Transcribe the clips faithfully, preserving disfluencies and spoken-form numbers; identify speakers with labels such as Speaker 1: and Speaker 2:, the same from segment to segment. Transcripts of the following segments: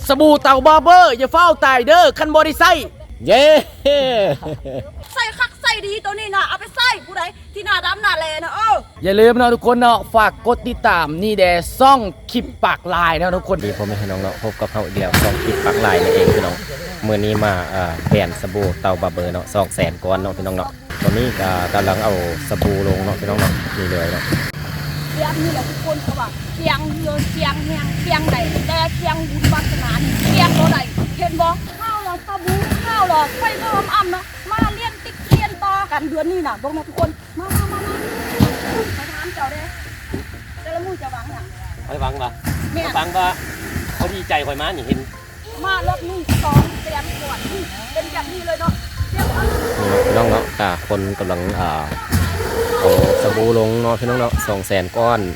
Speaker 1: สบู่เต่าบาร์เบอร์อย่าเฝ้าตายเด้อคันบอดี้ไซเย้
Speaker 2: ใส่คักใส่ดีตัวนี้นะเอาไปใส่ผู้ใดที่หน้าดำหน้าแลนะเออ
Speaker 1: อย่าลืมนะทุกคนเนาะฝากกดติดตามนี่แดซ่องคลิปปากลายนะทุกคน
Speaker 3: ดีผมไม่ให้น้องเนาะพบกับเขาเดียวซ่องคลิปปากลายนั่นเองพี่น้องเมื่อนี้มาอ่าแบรนด์สบู่เต่าบาร์เบอร์เนาะสองแสนก้อนเนาะพี่น้องเนาะตอนนี้ก็กำลังเอาสบู่ลงเนาะพี่น้องเนาะนี่เลยเนาะ
Speaker 2: เรียบนี่แหละทุกคนเขาว่าเคียงเรือเคียงแหงเคียงใดแต่เคียงบุญวาสนาเคียงตัวใดเห็นบ่ข้าวหลอดสบู่ข้าวหลอดไฟเพิ่มอ่ำเนาะมาเลี้ยงติ๊กเลี้ยงต่อกันเดือนนี้น่ะบอกนะทุกคนมามามามาถามเจ้าเด้แต่ละมือจะวางอย่าง
Speaker 3: ไปฟังปะฟังปะเขาดีใจคอยมาอย่างเห็น
Speaker 2: มารอบนี้สองแสนก่อนเป็นแบบนี้เลยเนาะ
Speaker 3: พี่น้องเนาะค่ะคนกำลังอ่าเอาสบู่ลงเนาะพี่น้องเนาะสองแสนก้อน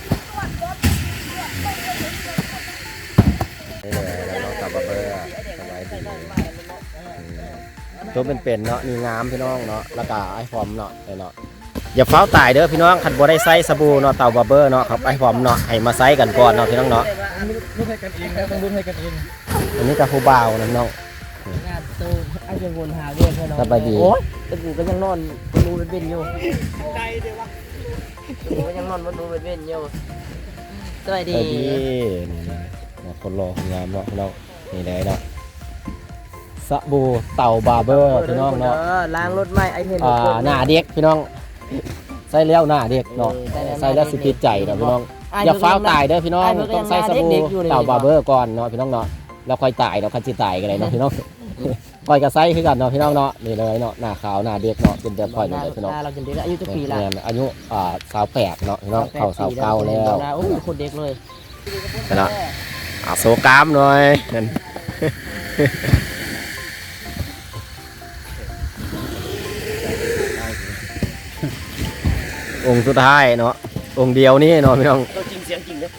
Speaker 3: นี่เลยแล้วเราตับเบอร์สบายดีตัวเป็นๆเนาะนี่งามพี่น้องเนาะแล้วก็ไอ้พร้อมเนาะเนาะอย่าเฝ้าตายเด้อพี่น้องคันบ่ได้ใส่สบู่เนาะเต่าบาร์เบอร์เนาะครับไอ้พร้อมเนาะให้มาใส่กันก่อนเนาะพี่น้องเนาะ
Speaker 1: รู้ให้กันเองนะต้องรู้ให้กันเอง
Speaker 3: อันนี้ก็ผู้บ่าวนะน้อง
Speaker 1: งานตู้ไอ้ยังวนหาเรื่องแค่น้อง
Speaker 3: สบายดี
Speaker 1: โอ้ยแต่กูก็ยังนอนดูเป็นเป็นอยู่ใจเดี๋ยววะกูก็ยังนอนดูเป็นเป็นอยู่สบายดี
Speaker 3: นี่คนรอคนงามเนาะพี่น้องนี่เลยเนาะสบู่เต่าบาร์เบอร์พี่น้องเนาะ
Speaker 1: ล้างรถไหมไอเทน
Speaker 3: อ่าหน้าเด็กพี่น้องใส่แล้วหน้าเด็กเนาะใส่แล้วสิติดใจเนาะพี่น้องอย่าฟ้าวตายเด้อพี่น้องต้องใส่สบู่เต่าบาร์เบอร์ก่อนเนาะพี่น้องเนาะแล้วค่อยตายเราคันสิตายกันเลยเนาะพี่น้องค่อยกระไซคือกันเนาะพี่น้องเนาะนี่เลยเนาะหน้าขาวหน้าเด็กเนาะเป็นแบบค่อยนี่เลยพี่น้อง
Speaker 1: เราจะเด็กอายุจะปีละ
Speaker 3: อายุอ่าสาวแปดเนาะพี่น้องเข้าสาวเก้าแล้ว
Speaker 1: โอ้คนเด็กเลย
Speaker 3: เนาะอ่าโซกามหน่อยองค์สุดท้ายเนาะองค์เดียวนี่เนาะพี่น้อง
Speaker 1: จริงเสียงจริงเลย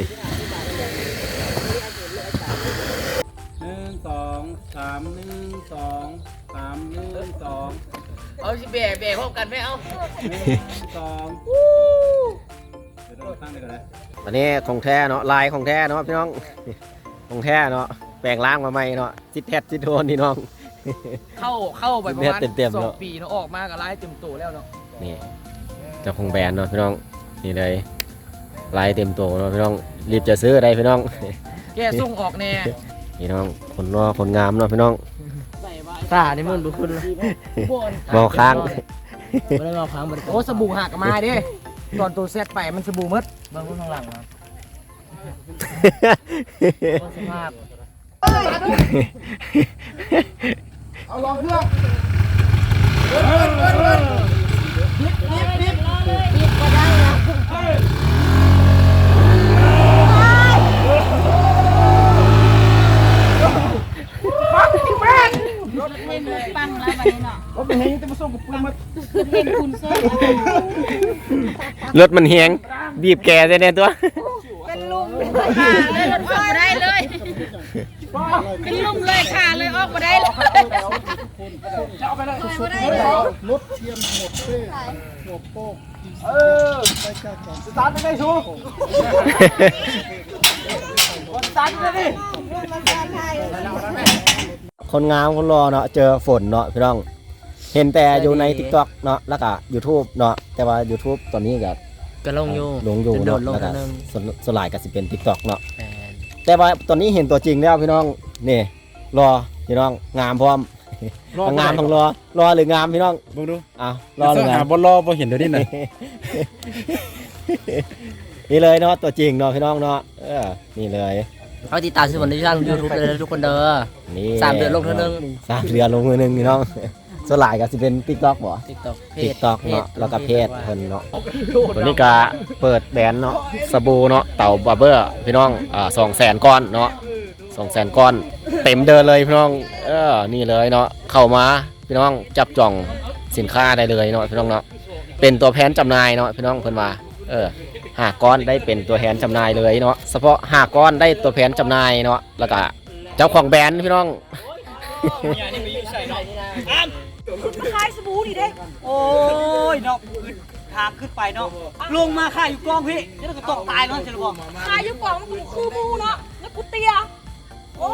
Speaker 4: หนึ่งสองสามหนึ่งสองสามหนึ่งสอง
Speaker 1: เอาสิเบะเบะพบกันไหมเอา
Speaker 4: หนึ่งสองเดี๋ยวเราตั้งไปก่อนเลย
Speaker 3: วันนี้ของแท้เนาะลายของแท้เนาะพี่น้องของแท้เนาะแปลงร่างมาใหม่เนาะจิตแทดจิตโดนนี่น้อง
Speaker 1: เข้าเข้าไปประมาณสองปีเนาะออกมากับลายเต็มตัวแล้วเนาะ
Speaker 3: นี่เจ้าของแบรนด์เนาะพี่น้องนี่เลยลายเต็มตัวเนาะพี่น้องรีบจะซื้ออะไรพี่น้อง
Speaker 1: แกส่งออกแน่
Speaker 3: พี่น้องคนรอคนงามเนาะพี่น้อง
Speaker 1: ตาในมือบุคุณ
Speaker 3: มองค้าง
Speaker 1: ไม่ได้มองค้างมันโอ้สบู่หักมาดิตอนตัวเซตไปมันสบู่มืดบางคนข้างหลังนะสภาพ
Speaker 4: เอาลองเครื่อง
Speaker 2: ปังแล้ววันนี้เนาะ
Speaker 4: รถมันเฮงจะมาส่งกับปืนมา
Speaker 2: เห็นคุณเสื้อ
Speaker 3: รถมันเฮงบีบแกได้แน่ตัว
Speaker 2: เป็นลุงค่ะเลยรถออกมาได้เลยเป็นลุงเลยค่ะเลยออกมาได้เลย
Speaker 4: จะเอาไปเลยรถเทียมหมดเป้หัวโป้เออไปจัดก่อนสตาร์ทไม่ได้ชูสตาร์ทไม่ได้
Speaker 3: คนงามคนรอเนาะเจอฝนเนาะพี่น้องเห็นแต่อยู่ใน ติ๊กต็อก เนาะแล้วก็ ยูทูบ เนาะแต่ว่า ยูทูบ ตอนนี้ก็
Speaker 1: ก็ลงอยู่
Speaker 3: ลงอยู่เนาะแล้วก็สลายก็สิเป็น ติ๊กต็อก เนาะแต่ว่าตอนนี้เห็นตัวจริงแล้วพี่น้องนี่รอพี่น้องงามพร้อมงามทั้งรอรอหรืองามพี่น้อง
Speaker 4: ดูดู
Speaker 3: อ้าวรอหรืองาม
Speaker 4: บ่รอบ่เห็นเดี๋ยวนี้น่ะ
Speaker 3: นี่เลยเนาะตัวจริงเนาะพี่น้องเนาะเออนี่เลย
Speaker 1: เขาติดตามช่องที่ช่องยูทูบเลยทุกคนเด้อสามเดือนลงเท่านึง
Speaker 3: สามเดือนลงมือนึงพี่น้องสลายก็สิเป็น ติ๊กต็อก บ่
Speaker 1: ติ๊กต็อก
Speaker 3: ติ๊กต็อก เนาะแล้วก็เพจเพิ่นเนาะวันนี้ก็เปิดแบรนด์เนาะสบู่เนาะเต่าบาร์เบอร์พี่น้องอ่าสองแสนก้อนเนาะสองแสนก้อนเต็มเดินเลยพี่น้องเออนี่เลยเนาะเข้ามาพี่น้องจับจ่องสินค้าได้เลยเนาะพี่น้องเนาะเป็นตัวแทนจำหน่ายเนาะพี่น้องเพิ่นว่าเออห้าก้อนได้เป็นตัวแทนจำหน่ายเลยเนาะเฉพาะห้าก้อนได้ตัวแทนจำหน่ายเนาะแล้วก็เจ้าของแบรนด์พี่น้อง
Speaker 2: ขายสบู่ดิเด้
Speaker 1: โอ้ยเนาะทางขึ้นไปเนาะลงมาขายอยู่กองพี่แล้วก็ตกตายเนาะจะบอก
Speaker 2: ขายอยู่กองมันคือมูเนาะแล้วกูเตี้ยโอ้ย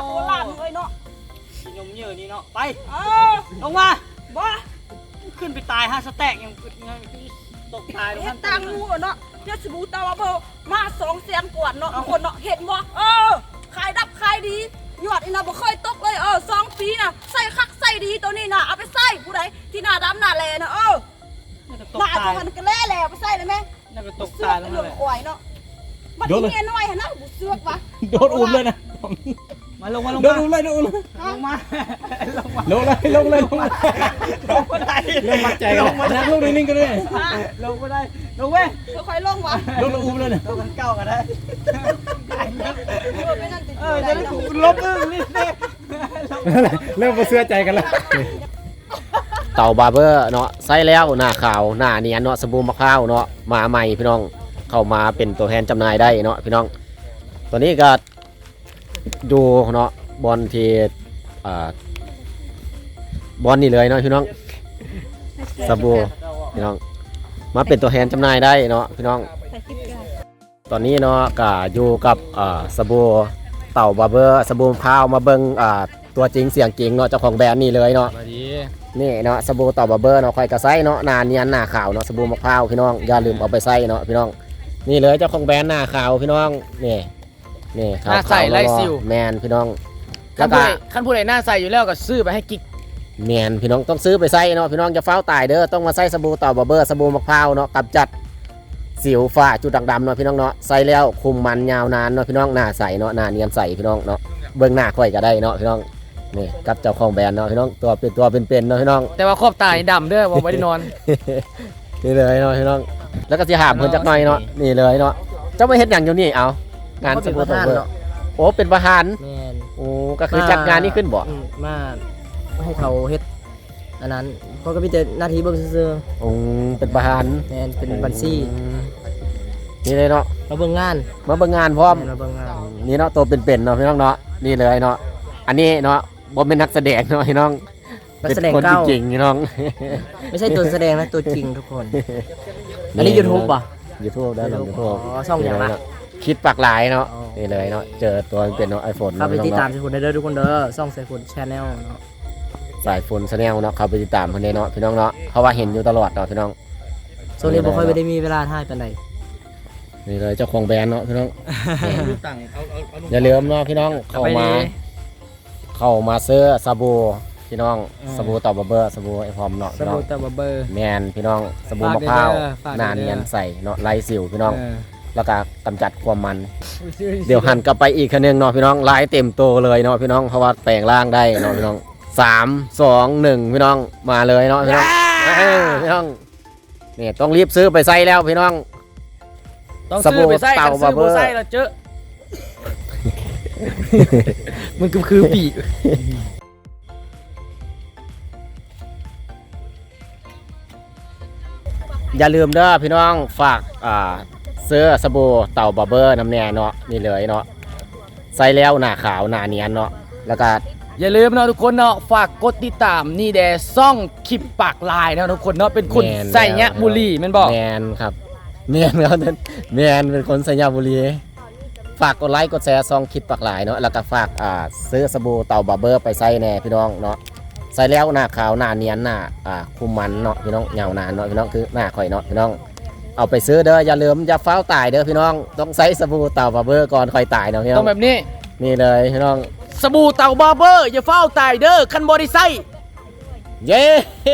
Speaker 2: โบราณเลยเนาะ
Speaker 1: นมเยอะนี่เนาะไป
Speaker 2: เออ
Speaker 1: ลงมา
Speaker 2: บ่
Speaker 1: ขึ้นไปตายฮะสแต็กยังยังตกตาย
Speaker 2: เฮ็ดตังงูเนาะเดี๋ยวสบู่ตาวาเบอร์มาสองแสนกว่าเนาะทุกคนเนาะเห็นบ่เออขายดับขายดียอดอีน่ะบ่เคยตกเลยเออสองปีน่ะใส่คักใส่ดีตัวนี้น่ะเอาไปใส่ผู้ใดที่หน้าดำหน้าแลน่ะเออ
Speaker 1: ต
Speaker 2: ห
Speaker 1: ก
Speaker 2: น้า
Speaker 1: ตาย
Speaker 2: จะมันก็แล่แล้วไปใส่เลยแม่
Speaker 1: น่าจะตก
Speaker 2: เสือ
Speaker 1: ตาย
Speaker 2: ก
Speaker 1: แล้ว
Speaker 2: เรื่อง
Speaker 1: เลย
Speaker 2: ควายเนาะบัดนี้เมียน้อยหั่นนะบ่เสือกวะ
Speaker 3: โดนอุ้มเลยนะ
Speaker 1: มาลงมาลง
Speaker 3: โด
Speaker 1: มาน
Speaker 3: อุ้มเลยโดนอุ้มเลย
Speaker 1: ลงมาลงมา
Speaker 3: ลงเลยลงเลยลงมา
Speaker 1: ลงมาได้
Speaker 3: เริ่มมัดใจกันแล้วลงนิ่งๆกันเลย
Speaker 1: ลงมาได้ลงเว้ย
Speaker 2: ค่อยๆลงวะ
Speaker 3: ลงแล้วอุ้มเลยนะ
Speaker 1: ลงกันเก้ากันได้
Speaker 2: เออไปนั่นติด
Speaker 1: เอ
Speaker 2: อ
Speaker 1: อยู่ จะ
Speaker 2: ได้
Speaker 1: ได้
Speaker 2: เนาะ
Speaker 1: ถูกลบอึ้งนี่สิ
Speaker 3: เริ่มมาเสื้อใจกันแล้วเต่าบาร์เบอร์เนาะใส่แล้วหน้าขาวหน้าเนียนเนาะสบู่มะพร้าวเนาะมาใหม่พี่น้องเข้ามาเป็นตัวแทนจำหน่ายได้เนาะพี่น้องตัวนี้ก็ดูเนาะบอลที่อ่าบอลนี่เลยเนาะพี่น้องสบู่พี่น้องมาเป็นตัวแทนจำหน่ายได้เนาะพี่น้องตอนนี้เนาะก็อยู่กับอ่าสบู่เต่าบาร์เบอร์สบู่มะพร้าวมาเบิ่งอ่าตัวจริงเสียงจริงเนาะเจ้าของแบรนด์นี่เลยเนาะนี่เนาะสบู่เต่าบาร์เบอร์เนาะคอยกระไซเนาะหนาเนียนหน้าขาวเนาะสบู่มะพร้าวพี่น้องอย่าลืมเอาไปใส่เนาะพี่น้องนี่เลยเจ้าของแบรนด์หน้าขาวพี่น้องนี่นี่ขาว
Speaker 5: หน้าใสไร้สิว
Speaker 3: แมนพี่น้อง
Speaker 5: ขั้
Speaker 3: แล้
Speaker 5: น
Speaker 3: ว
Speaker 5: ผู้
Speaker 3: ก็
Speaker 5: ใดขั้นผู้ใดหน้าใสอยู่แล้วก็ซื้อไปให้กิ๊ก
Speaker 3: แมนพี่น้องต้องซื้อไปใส่เนาะพี่น้องจะเฝ้าตายเด้อต้องมาใส่สบู่เต่าบาร์เบอร์สบู่มะพร้าวเนาะกำจัดสิวฝ้าจุดด่างดำเนาะพี่น้องเนาะใส่แล้วคุมมันยาวนานเนาะพี่น้องหน้าใสเนาะหน้าเนียนใสพี่น้องเนาะเบิ่งหน้าค่อยก็ได้เนาะพี่น้องนี่กับเจ้าของแบรนด์เนาะพี่น้องตัวเป็นตัวเป็นๆเนาะพี่น้อง
Speaker 5: แต่ว่าขอบตานี่ดำเด้อว่าไม่ได้นอน
Speaker 3: นี่เลยเนาะพี่น้องแล้วก็สิหามเพิ่นจักหน่อยเนาะนี่เลยเนาะเจ้าไม่เฮ็ดหยังอยู่นี่เอางานสบู่เต่าบาร์เบอร์โอ้เป็นประธาน
Speaker 6: แม่น
Speaker 3: โอ้ก็คือจัดงานนี้ขึ้นบ่
Speaker 6: อืมมาให้เขาเฮ็ดอันนั้นเขาก็มีแต่หน้าที่เบิ่งซื่อ
Speaker 3: โอ้เป็นประธาน
Speaker 6: ๆแม่นเป็นบัญชี
Speaker 3: นี่เลยเนาะ
Speaker 6: มาเบิ่งงาน
Speaker 3: มาเบิ่งงานพร้อม
Speaker 6: แม่นมาเบิ่งงาน
Speaker 3: นี่เนาะตัวเป็นๆเนาะพี่น้องเนาะนี่เลยเนาะอันนี้เนาะบ่เป็นนักแสดงเนาะพี่น้อง
Speaker 6: นักแสดง
Speaker 3: เป็นคน
Speaker 6: เก้า
Speaker 3: จริงๆพี่น้อง
Speaker 6: ไม่ใช่ตัวแสดงนะตัวจริงทุกคน อันนี้ YouTube ป่ะ
Speaker 3: YouTube ได้เนาะ
Speaker 6: YouTube
Speaker 3: YouTube
Speaker 6: อ๋อช่องอย่างละ
Speaker 3: นี่เลเนาะคิดปากหลายเนาะ
Speaker 6: อ๋อ
Speaker 3: นี่เลยเนาะเจอตัวเป็นเนาะ iPhone
Speaker 6: เข้าไป
Speaker 3: เนาะ
Speaker 6: ติด
Speaker 3: พี่น้อง
Speaker 6: ตาม
Speaker 3: เนาะ
Speaker 6: สายฝนได้เด้อทุกคนเด้อช่องสายฝน Channel เนาะ
Speaker 3: สายฝน Channel เนาะเข้าไปติดตามเพิ่นได้เนาะพี่น้องเนาะเพราะว่าเห็นอยู่ตลอดเนาะพี่น้อง
Speaker 6: ช่วงนี้บ่ค่อยได้มีเวลาถ่ายปานใด
Speaker 3: นี่เลยเจ้าของแบรนด์เนาะพี่น้อง
Speaker 1: ตั้งเอาเอาเอาลง
Speaker 3: อย่าลืมเนาะพี่น้องเข้ามาเข้ามาซื้อสบู่พี่น้องสบู่เต่าบาร์เบอร์สบู่ไอพร้อมเนาะ
Speaker 5: ส
Speaker 3: พี่น้อ
Speaker 5: บู่
Speaker 3: ง
Speaker 5: ตาบาร์เบอร์
Speaker 3: แมนพี่น้องสบู่มะ
Speaker 5: ฝาก
Speaker 3: พร้าว
Speaker 5: เด้อฝากเด้อ
Speaker 3: หน้าเนียนใสเนาะไร้สิวพี่น้อง
Speaker 5: เออ
Speaker 3: แล้วก็กำจัดความมัน เดี๋ยวหันกลับไปอีกคันนึงเนาะพี่น้องลายเต็มโตเลยเนาะพี่น้องเพราะว่าแปลงร่างได้เนาะพี่น้องสามสองหนึ่งพี่น้องมาเลยเนาะพี่น้องเออพี่น้องนี่ต้องรีบซื้อไปใส่แล้วพี่น้อง
Speaker 5: ต้อง
Speaker 3: สบู่
Speaker 5: ซื้อไปใส่
Speaker 3: เต่า
Speaker 5: กันซื้อ
Speaker 3: บาร์เบอร์
Speaker 5: บ่ใส่แล้วเจอ มันก็คือปี
Speaker 3: อย่าลืมเด้อพี่น้องฝากอ่าเสื้อสบู่เต่าบาร์เบอร์น้ำแน่เนาะนี่เลยเนาะใส่แล้วหน้าขาวหน้าเนียนเนาะแล้วก็
Speaker 5: อย่าลืมนะทุกคนเนาะฝากกดติดตามนี่แดซ่องคลิปปากลายนะทุกคนเนาะเป็นคน
Speaker 3: แม่น
Speaker 5: ใส่เนี้ย
Speaker 3: แล้ว
Speaker 5: บุหรี่แมันบอก
Speaker 3: แมนครับแมนครับแมนเป็นคนสัญญาบุรีฝากกดไลค์กดแชร์ซองคลิปปากหลายเนาะแล้วก็ฝากอ่าซื้อสบู่เต่าบาร์เบอร์ไปใส่แน่พี่น้องเนาะใส่แล้วหน้าขาวหน้าเนียนหน้าอ่าคุมมันเนาะพี่น้องเงานานเนาะพี่น้องคือหน้าข่อยเนาะพี่น้องเอาไปซื้อเด้ออย่าลืมอย่าเฝ้าวตายเด้อพี่น้องต้องใส่สบู่เต่าบาร์เบอร์ก่อนค่อยตายเนาะพี่น้
Speaker 5: ต้
Speaker 3: อ
Speaker 5: อง งแบบนี้
Speaker 3: นี่เลยพี่น้อง
Speaker 5: สบู่เต่าบาร์เบอร์อย่าเฝ้าตายเด้อคันบริไซ
Speaker 3: เย้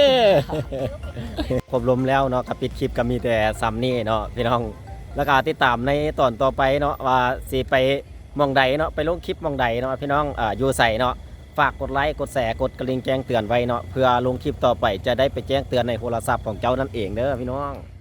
Speaker 3: ครบลมแล้วเนาะกับปิดคลิปก็มีแต่ซัมนี่เนาะพี่น้องแล้วก็ติดตามในตอนต่อไปเนาะว่าสิไปหมองใดเนาะไปลงคลิปหมองใดเนาะพี่น้องอ่าอยู่ใส่เนาะฝากกดไลค์กดแชร์กดกระดิ่งแจ้งเตือนไว้เนาะเพื่อลงคลิปต่อไปจะได้ไปแจ้งเตือนในโทรศัพท์ของเจ้านั่นเองเด้อพี่น้อง